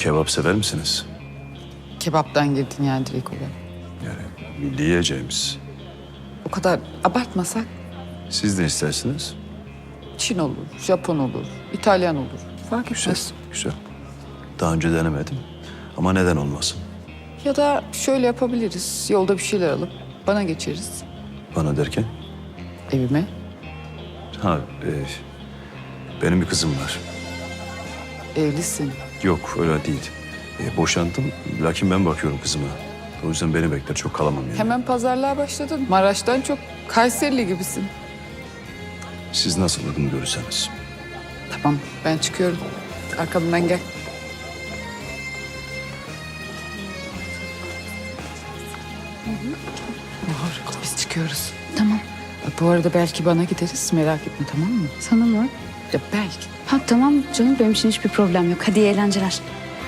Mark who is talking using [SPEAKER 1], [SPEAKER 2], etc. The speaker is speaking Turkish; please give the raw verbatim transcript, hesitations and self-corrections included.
[SPEAKER 1] kebap sever misiniz?
[SPEAKER 2] Kebaptan girdin yani direkt olarak.
[SPEAKER 1] Yani milli yiyeceğimiz.
[SPEAKER 2] O kadar abartmasak
[SPEAKER 1] Siz de istersiniz.
[SPEAKER 2] Çin olur, Japon olur, İtalyan olur. Fark
[SPEAKER 1] Güzel,
[SPEAKER 2] etmez.
[SPEAKER 1] güzel. Daha önce denemedim. Ama neden olmasın?
[SPEAKER 2] Ya da şöyle yapabiliriz. Yolda bir şeyler alıp bana geçeriz.
[SPEAKER 1] Bana derken?
[SPEAKER 2] Evime.
[SPEAKER 1] Ha, e, benim bir kızım var.
[SPEAKER 2] Evlisin.
[SPEAKER 1] Yok, öyle değil. E, boşandım, lakin ben bakıyorum kızıma. O yüzden beni bekler, çok kalamam yani.
[SPEAKER 2] Hemen pazarlığa başladın. Maraş'tan çok Kayserili gibisin.
[SPEAKER 1] Siz nasıl uygun görürseniz.
[SPEAKER 2] Tamam, ben çıkıyorum. Arkamdan gel. Bahar, biz çıkıyoruz.
[SPEAKER 3] Tamam.
[SPEAKER 2] Bu arada belki bana gideriz, merak etme, tamam mı?
[SPEAKER 3] Sana mı?
[SPEAKER 2] Ya belki.
[SPEAKER 3] Ha tamam canım, benim için hiçbir problem yok. Hadi iyi eğlenceler.